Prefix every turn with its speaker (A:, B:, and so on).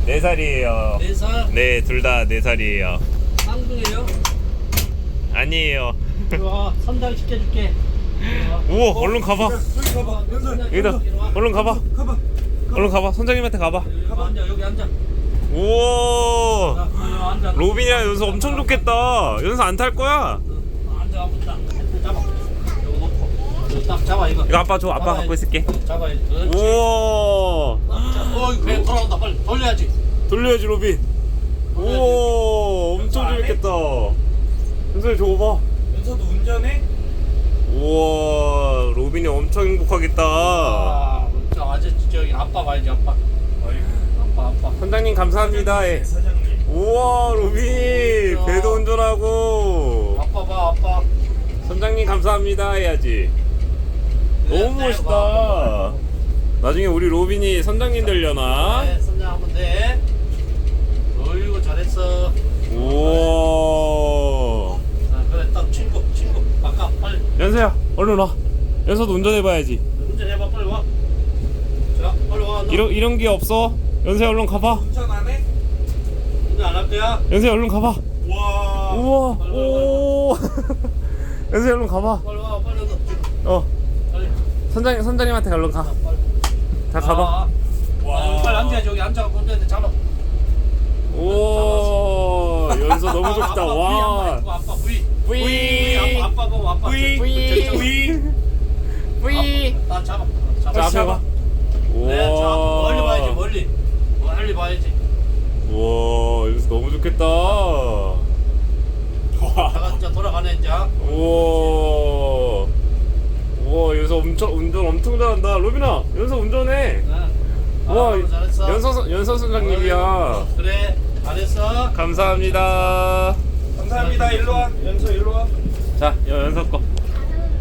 A: 4살이에요.
B: 4살?
A: 네, 둘 다 4살이에요.
B: 쌍둥이에요?
A: 아니에요.
B: 들어와, 선장 시켜줄게.
A: 우와, 얼른 가봐.
C: 저기 가봐. 연설.
A: 여기다. 얼른 가봐.
C: 가봐.
A: 얼른 가봐. 선장님한테 가봐.
B: 여기 앉아, 여기 앉아.
A: 우와.
B: 자, 여기 앉아.
A: 로빈이랑 연서 엄청 좋겠다. 연서 안 탈 거야?
B: 앉아, 딱 잡아. 이거 놓고. 이거 딱 잡아, 이거.
A: 이거 아빠 줘. 아빠 갖고 있을게.
B: 잡아야지. 그렇지.
A: 우와.
B: 그래, 돌아온다. 빨리 돌려야지.
A: 돌려야지, 로빈. 우와. 엄청 재밌겠다. 연서 저거 봐.
C: 연서도 운전해?
A: 우와. 로빈이 엄청 행복하겠다.
B: 아, 아저씨 저기 아빠 봐야지, 아빠. 아빠.
A: 선장님 감사합니다. 예.
C: 사장님.
A: 우와, 로빈. 배도 운전하고.
B: 아빠 봐, 아빠.
A: 선장님 감사합니다 해야지. 너무 멋있다. 나중에 우리 로빈이 선장님 되려나?
B: 네, 선장 하면 돼. 어이구, 잘했어.
A: 우와.
B: 자, 그래, 딱 친구. 바꿔, 빨리.
A: 연서야, 얼른 와. 연서도 운전해봐야지.
B: 운전해봐, 빨리 와. 자, 빨리 와. 너
A: 이런 게 없어. 연서야, 얼른 가봐.
C: 운전 안 해?
B: 운전 안 할 거야?
A: 연서야, 얼른 가봐.
C: 와.
A: 우와. 오. 연서야, 얼른 가봐.
B: 빨리 와, 빨리 와. 빨리.
A: 선장님한테 얼른 가.
B: 빨리.
A: 다 가봐.
C: 와.
B: 빨리 앉아야지. 여기 앉아갖고 운전대 잡아.
A: 오. 연서 너무 좋다.
B: 아빠
A: 와.
B: 아빠 V.
A: 뿌이.
B: 아빠 보고 아빠.
A: 뿌이. 뿌이. 뿌이.
B: 나 잡아.
A: 자, 앞에
B: 잡아.
A: 봐.
B: 네, 자, 멀리 봐야지, 멀리. 멀리 봐야지.
A: 우와, 여기서 너무 좋겠다.
B: 내가 이제 돌아가네, 이제.
A: 우와. 우와, 여기서 운전 엄청 잘한다. 로빈아, 연서 운전해.
B: 네.
A: 우와,
B: 잘했어.
A: 연서 선장님이야.
B: 그래, 잘했어.
A: 감사합니다.
C: 감사합니다. 일로 와. 연서 일로 와.
A: 자, 연서 거.